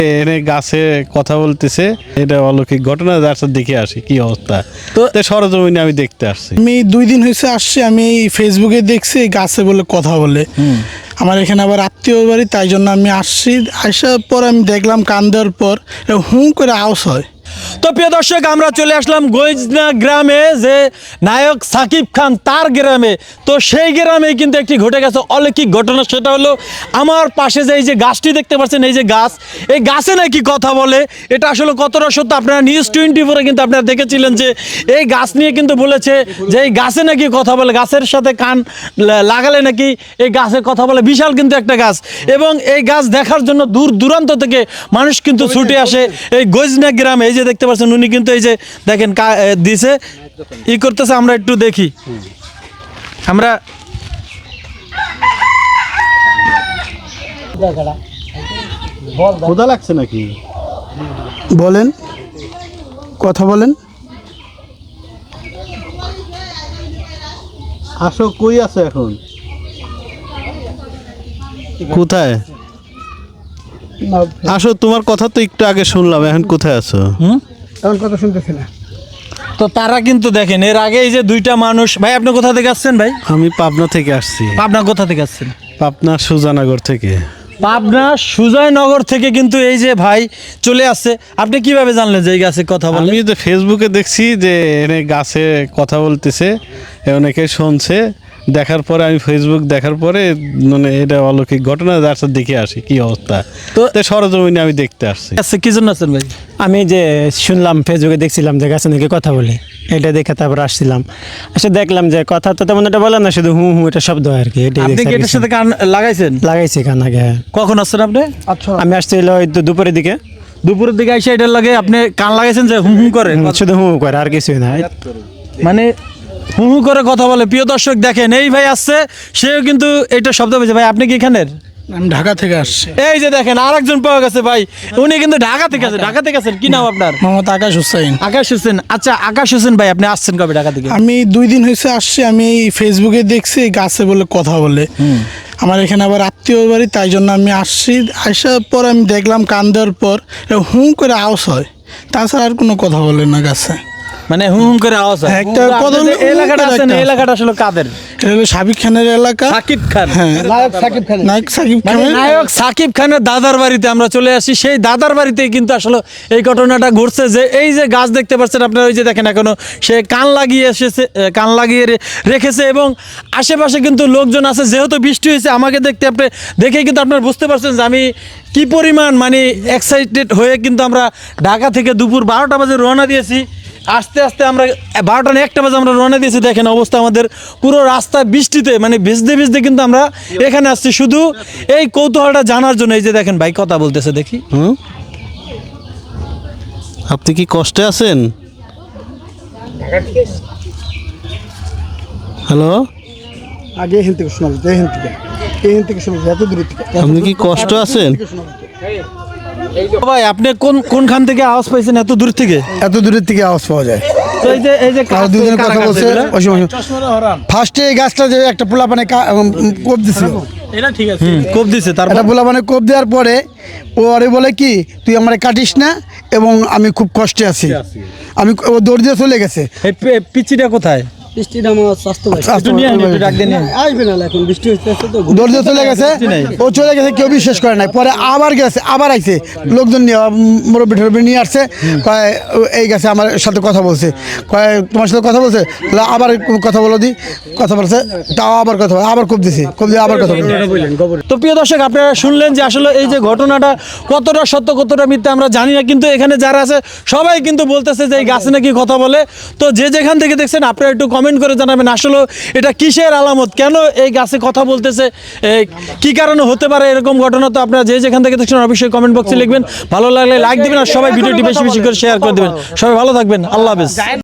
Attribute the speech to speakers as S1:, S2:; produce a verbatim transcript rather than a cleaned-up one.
S1: এনে গাছে কথা বলতেছে, এটা অলৌকিক ঘটনা। যার সাথে দেখে আসি কি অবস্থা। তো সরজমিনে আমি দেখতে আসছি।
S2: আমি দুই দিন হয়েছে আসছি, আমি ফেসবুকে দেখছি গাছে বলে কথা বলে। আমার এখানে আবার আত্মীয় বাড়ি, তাই জন্য আমি আসছি। আসার পর আমি দেখলাম কান দেওয়ার পর হুঁ করে আওয়াজ হয়।
S3: তো প্রিয় দর্শক, আমরা চলে আসলাম গইজনা গ্রামে, যে নায়ক সাকিব খান তার গ্রামে। তো সেই গ্রামে কিন্তু একটি ঘটে গেছে অলৌকিক ঘটনা। সেটা হলো আমার পাশে যে এই যে গাছটি দেখতে পাচ্ছেন, এই যে গাছ, এই গাছে নাকি কথা বলে। এটা আসলে কতটা সত্য, আপনারা নিউজ টোয়েন্টি ফোরে কিন্তু আপনারা দেখেছিলেন যে এই গাছ নিয়ে কিন্তু বলেছে যে এই গাছে নাকি কথা বলে, গাছের সাথে কান লাগালে নাকি এই গাছে কথা বলে। বিশাল কিন্তু একটা গাছ, এবং এই গাছ দেখার জন্য দূর দূরান্ত থেকে মানুষ কিন্তু ছুটে আসে এই গইজনা গ্রামে। এই যে দেখতে পাচ্ছেন, উনি কিন্তু এই যে দেখেন দিছে ই করতেছে। আমরা একটু দেখি, আমরা
S1: ক্ষুধা লাগছে নাকি?
S2: বলেন, কথা বলেন।
S1: আসো, কই আছো এখন? কোথায় আসো? তোমার কথা তো একটু আগে শুনলাম, এখন কোথায় আছো?
S3: হুম
S2: এখন কথা শুনতেছি না।
S3: তো তারা কিন্তু দেখেন, এর আগে এই যে দুইটা মানুষ। ভাই, আপনি কোথা থেকে আসছেন? ভাই,
S1: আমি পাবনা থেকে আসছি।
S3: পাবনা কোথা থেকে আসছেন?
S1: পাবনা সুজানগর থেকে।
S3: পাবনা সুজয়নগর থেকে কিন্তু এই যে ভাই চলে আসছে। আপনি কিভাবে জানলেন যে এই গাছে কথা বলে?
S1: আমি তো ফেসবুকে দেখছি যে এনে গাছে কথা বলতেছে, অনেকে শুনছে। দেখার পরে আমি ফেসবুক দেখার পরে মানে এটা অলৌকিক ঘটনা। যার সাথে দেখে আসি কি অবস্থা। তো সরজমিনে আমি দেখতে আসছি।
S3: আচ্ছা, কি জন্য আছেন ভাই?
S4: আমি যে শুনলাম, ফেসবুকে দেখছিলাম যে গাছে নাকি কথা বলে, এটা দেখে তারপর আসছিলাম। আসে দেখলাম যে কথা তো তেমন এটা বলে না, শুধু হু হু এটা শব্দ হয় আর কি। এটাই
S3: আপনি কি
S4: দেখছি।
S3: এটার সাথে কান লাগাইছেন?
S4: লাগাইছি কান আগে।
S3: কখন আসছেন আপনি?
S2: আচ্ছা,
S4: আমি আসছি হলো ওই দু- দুপুরের দিকে।
S3: দুপুরের দিকে এসে এটার লাগে আপনি কান লাগাইছেন যে হুম হুম করে?
S4: হুম, শুধু হু হু করে, আর কিছুই না।
S3: মানে হু হু করে কথা বলে। প্রিয় দর্শক দেখেন, এই ভাই আসছে, সেও কিন্তু এটা শব্দ পেয়েছে। ভাই, আপনি কি এখানের?
S2: আমি ঢাকা থেকে আসছি।
S3: এই যে দেখেন, আরেকজন পাওয়া গেছে ভাই, উনি কিন্তু ঢাকা থেকে আছে। ঢাকা থেকে আছেন, কি নাম আপনার?
S2: মোহাম্মদ আকাশ হুসাইন।
S3: আকাশ হোসেন। আচ্ছা, আকাশ হোসেন ভাই, আপনি আসছেন কবে ঢাকা থেকে?
S2: আমি দুই দিন হয়েছে আসছি, আমি ফেসবুকে দেখছি গাছে বলে কথা বলে। আমার এখানে আবার আত্মীয় বাড়ি, তাই জন্য আমি আসছি। আসার পর আমি দেখলাম কান দেওয়ার পর হুঁ করে আওয়াজ হয়। তাছাড়া আর কোনো কথা বলে না গাছে।
S3: মানে হুম হুম করে আওয়াজ হয়।
S2: হ্যাঁ, একটা
S3: তো আপনি
S2: কদম-
S3: যে এলাকাটা আছেন,
S2: একটা-
S3: এই এলাকাটা আসলে কাদের?
S2: এটা হলো সাকিব খানের এলাকা।
S3: সাকিব খান।
S2: হ্যাঁ, নায়ক সাকিব খান। নায়ক সাকিব
S3: মানে
S2: খানের
S3: নায়ক সাকিব খানের দাদার বাড়িতে আমরা চলে আসি। সেই দাদার বাড়িতেই কিন্তু আসলে এই ঘটনাটা ঘটছে। যে এই যে গাছ দেখতে পাচ্ছেন আপনারা, ওই যে দেখেন এখনো সে কান লাগিয়ে এসেছে, কান লাগিয়ে রে- রেখেছে, এবং আশেপাশে কিন্তু লোকজন আছে। যেহেতু বৃষ্টি হয়েছে, আমাকে দেখতে আপনি দেখে কিন্তু আপনারা বুঝতে পারছেন যে আমি কি পরিমাণ মানে এক্সাইটেড হয়ে কিন্তু আমরা ঢাকা থেকে দুপুর বারোটা বাজে রওনা দিয়েছি। আস্তে আস্তে আমরা বারোটা না একটা বাজে আমরা রওনা দিয়েছি। দেখেন অবস্থা আমাদের, পুরো রাস্তা বৃষ্টিতে মানে ভিজতে ভিজতে কিন্তু আমরা এখানে আসছি শুধু এই কৌতূহলটা জানার জন্য। এই যে দেখেন ভাই কথা বলতেছে, দেখি।
S1: হুম, আপনি কি কষ্টে আছেন? হ্যালো,
S2: আগে এখান থেকে শোনা যেত, এখান থেকে এখান থেকে শোনা যেত, এত দূর থেকে।
S1: আপনি কি কষ্ট আছেন?
S3: ভাই, আপনি কোন কোনখান থেকে আওয়াজ পাইছেন এত দূর থেকে?
S2: এত দূরের থেকে আওয়াজ পাওয়া যায়।
S3: তো এই যে এই যে
S2: আর দুজনের কথা বলছে ওই সময়। ফার্স্টে এই গাছটা যে একটা পোলা মানে কোপ দিছিল,
S3: এটা ঠিক আছে, কোপ দিছে। তারপর
S2: একটা পোলা মানে কোপ দেওয়ার পরে ও আরে বলে কি, তুই আমার কাটিস না, এবং আমি খুব কষ্টে আছি। আমি ও দৌড় দিয়ে চলে গেছে।
S3: এই পে- পিচিটা কোথায়?
S5: বৃষ্টিটা আমার স্বাস্থ্য ভাই
S3: একটু নিয়ে আনি, একটু ডাক দিয়ে নিয়ে আনি।
S5: আসবে না এখন, বৃষ্টি হচ্ছে তো।
S2: দৌড় দিয়ে চলে গেছে, ও চলে গেছে, কেউ বিশ্বাস করে নাই। পরে আবার গেছে, আবার আইছে লোকজন নিয়ে, মুরব্বী টুরব্বী নিয়ে আসছে। কয় এই গেছে আমার সাথে কথা বলছে, কয় তোমার সাথে কথা বলছে, বলে আবার কথা বলো দি, কথা বলছে, তাও আবার কথা বলে, আবার কোপ দিছে, কোপ দিয়ে আবার কথা বলছে।
S3: তো প্রিয় দর্শক, আপনারা শুনলেন যে আসলে এই যে ঘটনাটা কতটা সত্য কতটা মিথ্যা আমরা জানি না, কিন্তু এখানে যারা আছে সবাই কিন্তু বলতেছে যে এই গাছে নাকি কথা বলে। তো যে যেখান থেকে দেখছেন আপনারা একটু কমেন্ট করে জানাবেন আসলে এটা কিসের আলামত, কেন এই গাছে কথা বলতেছে, এই কি কারণে হতে পারে এরকম ঘটনা। তো আপনারা যে যেখান থেকে দেখছেন অবশ্যই কমেন্ট বক্সে লিখবেন। ভালো লাগলে লাইক দিবেন, আর সবাই ভিডিওটি বেশি বেশি করে শেয়ার করে দিবেন। সবাই ভালো থাকবেন, আল্লাহ হাফেজ।